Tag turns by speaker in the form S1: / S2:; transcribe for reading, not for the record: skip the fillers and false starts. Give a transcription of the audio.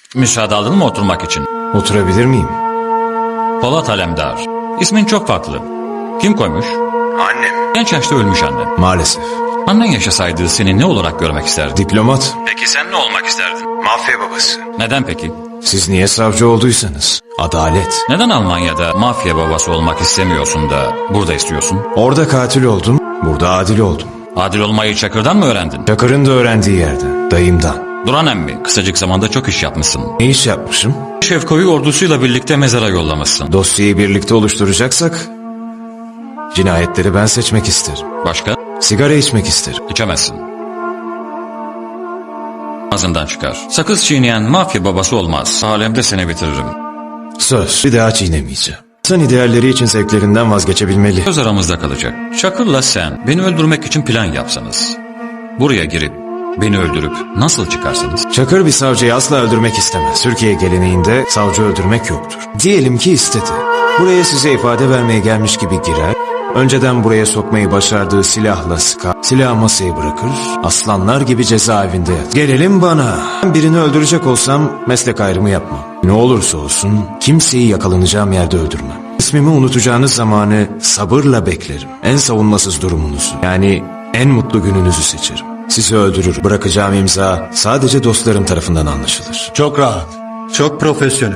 S1: Müsaade aldın mı oturmak için?
S2: Oturabilir miyim?
S1: Polat Alemdar. İsmin çok farklı. Kim koymuş?
S2: Annem.
S1: Genç yaşta ölmüş annen.
S2: Maalesef.
S1: Annen yaşasaydı seni ne olarak görmek isterdi?
S2: Diplomat.
S1: Peki sen ne olmak isterdin?
S2: Mafya babası.
S1: Neden peki?
S2: Siz niye savcı olduysanız? Adalet.
S1: Neden Almanya'da mafya babası olmak istemiyorsun da burada istiyorsun?
S2: Orada katil oldum, burada adil oldum.
S1: Adil olmayı Çakır'dan mı öğrendin?
S2: Çakır'ın da öğrendiği yerden, dayımdan.
S1: Duran emmi, kısacık zamanda çok iş yapmışsın.
S2: Ne iş yapmışım?
S1: Şevko'yu ordusuyla birlikte mezara yollamışsın.
S2: Dosyayı birlikte oluşturacaksak, cinayetleri ben seçmek isterim.
S1: Başka?
S2: Sigara içmek isterim.
S1: İçemezsin. Ağzından çıkar. Sakız çiğneyen mafya babası olmaz. Alemde seni bitiririm.
S2: Söz, bir daha çiğnemeyeceğim. İnsan idealleri için zevklerinden vazgeçebilmeli.
S1: Söz aramızda kalacak. Çakır'la sen beni öldürmek için plan yapsanız. Buraya girip beni öldürüp nasıl çıkarsınız?
S2: Çakır bir savcıyı asla öldürmek istemez. Türkiye geleneğinde savcı öldürmek yoktur. Diyelim ki istedi. Buraya size ifade vermeye gelmiş gibi girer. Önceden buraya sokmayı başardığı silahla sıkar. Silahı masayı bırakır. Aslanlar gibi cezaevinde yatar. Gelelim bana. Ben birini öldürecek olsam meslek ayrımı yapmam. Ne olursa olsun kimseyi yakalanacağım yerde öldürmem. İsmimi unutacağınız zamanı sabırla beklerim. En savunmasız durumunuzu, yani en mutlu gününüzü seçerim. Sizi öldürür. Bırakacağım imza sadece dostlarım tarafından anlaşılır.
S3: Çok rahat, çok profesyonel.